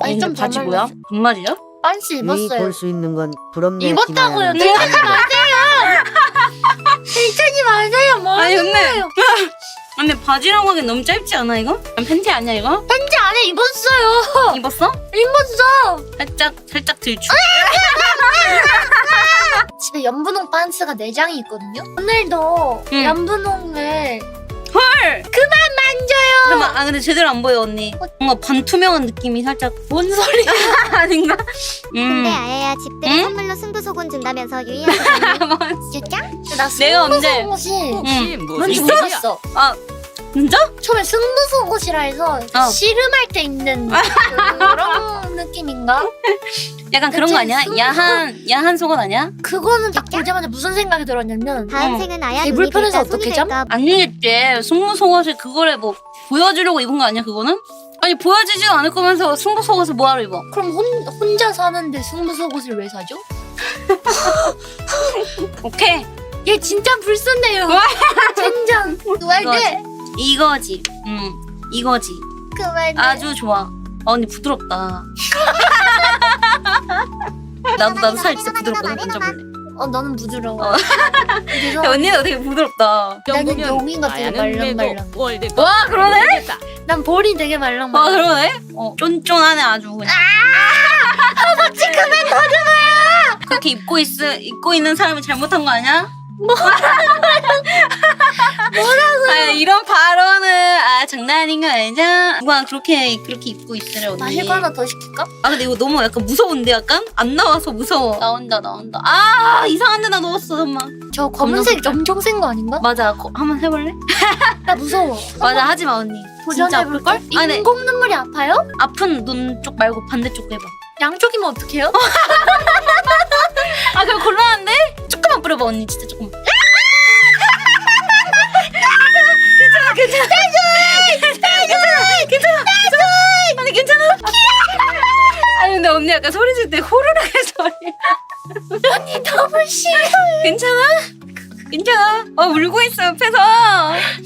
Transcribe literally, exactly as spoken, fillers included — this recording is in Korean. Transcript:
아니 좀 바지 반말. 뭐야? 반말이야? 반스 유이 입었어요. 볼 수 있는 건 부럽네. 입었다고요. 김아연. 들키지 마세요. 들키지 마세요. 뭐 아니, 하는 근데- 거예요? 근데 바지라고 하기엔 너무 짧지 않아 이거? 팬티 아니야 이거? 팬티 안에 입었어요. 입었어? 입었어. 살짝 살짝 들추. 집에 연분홍 반스가 네 장이 있거든요. 오늘도 응. 연분홍을 헐! 그만 만져요. 잠깐만, 아 근데 제대로 안 보여 언니. 뭔가 반투명한 느낌이 살짝. 뭔 소리야? 아닌가? 근데 음. 아야야 집들이 응? 선물로 승부소곤 준다면서 유이한테 진짜? 나 내가 언제? 승부속옷이 응. 뭔지 있어? 몰랐어. 아 진짜? 처음에 승부속옷이라 해서 어. 씨름할 때 입는 그런 느낌인가? 약간 그런 거 아니야? 승부- 야한 야한 속옷 아니야? 그거는 딱 보자마자 무슨 생각이 들었냐면 다음 어. 생은 아야 개 눈이 불편해서 될까 손이 어떻게 잠? 될까 아니겠지. 승부 속옷을 그거를 뭐 보여주려고 입은 거 아니야 그거는? 아니 보여지지도 않을 거면서 승부 속옷을 뭐하러 입어? 그럼 혼, 혼자 사는데 승부속옷을 왜 사죠? 오케이. 얘 진짜 불순해요. 젠장. 그만해. 이거지. 음 이거지. 그만해. 아주 좋아. 아 언니 부드럽다. 나도 나도 살 진짜 부드럽거든. 만져볼래. 어 너는 부드러워. 어. 야, 죄송합니다. 언니가 되게 부드럽다. 나는 용이가 되게 말랑말랑. 와 그러네? 난 볼이 되게 와 말랑말랑. 그러네? 어 쫀쫀하네 아주 그냥. 아 맞지 그만 더듬어요. 그렇게 입고 있 입고 있는 사람이 잘못한 거 아니야? 뭐라고요? 아, 이런 발언은 아 장난 아닌 거 아니죠? 누가 그렇게 그렇게 입고 있으래 언니. 나 이거 하나 더 시킬까? 아 근데 이거 너무 약간 무서운데 약간 안 나와서 무서워. 나온다 나온다. 아 이상한 데나 넣었어 잠만. 저 검은색 겁나 엄청 센 거 아닌가? 맞아 거, 한번 해볼래? 나 무서워. 맞아 하지 마 언니. 진짜 아플 도전해볼걸? 걸? 아 네. 인공 눈물이 아파요? 아픈 눈 쪽 말고 반대쪽 해봐. 양쪽이면 어떡해요? 아 그럼 곤란한데? 조금만 뿌려봐 언니 진짜 조금만. 괜찮아 괜찮아 괜찮아 괜찮아 괜찮아 아니 괜찮아. 아니 근데 언니 약간 소리 질 때 호루라기 소리. 언니 더블 싫어. 괜찮아? 괜찮아. 어 울고 있어 옆에서.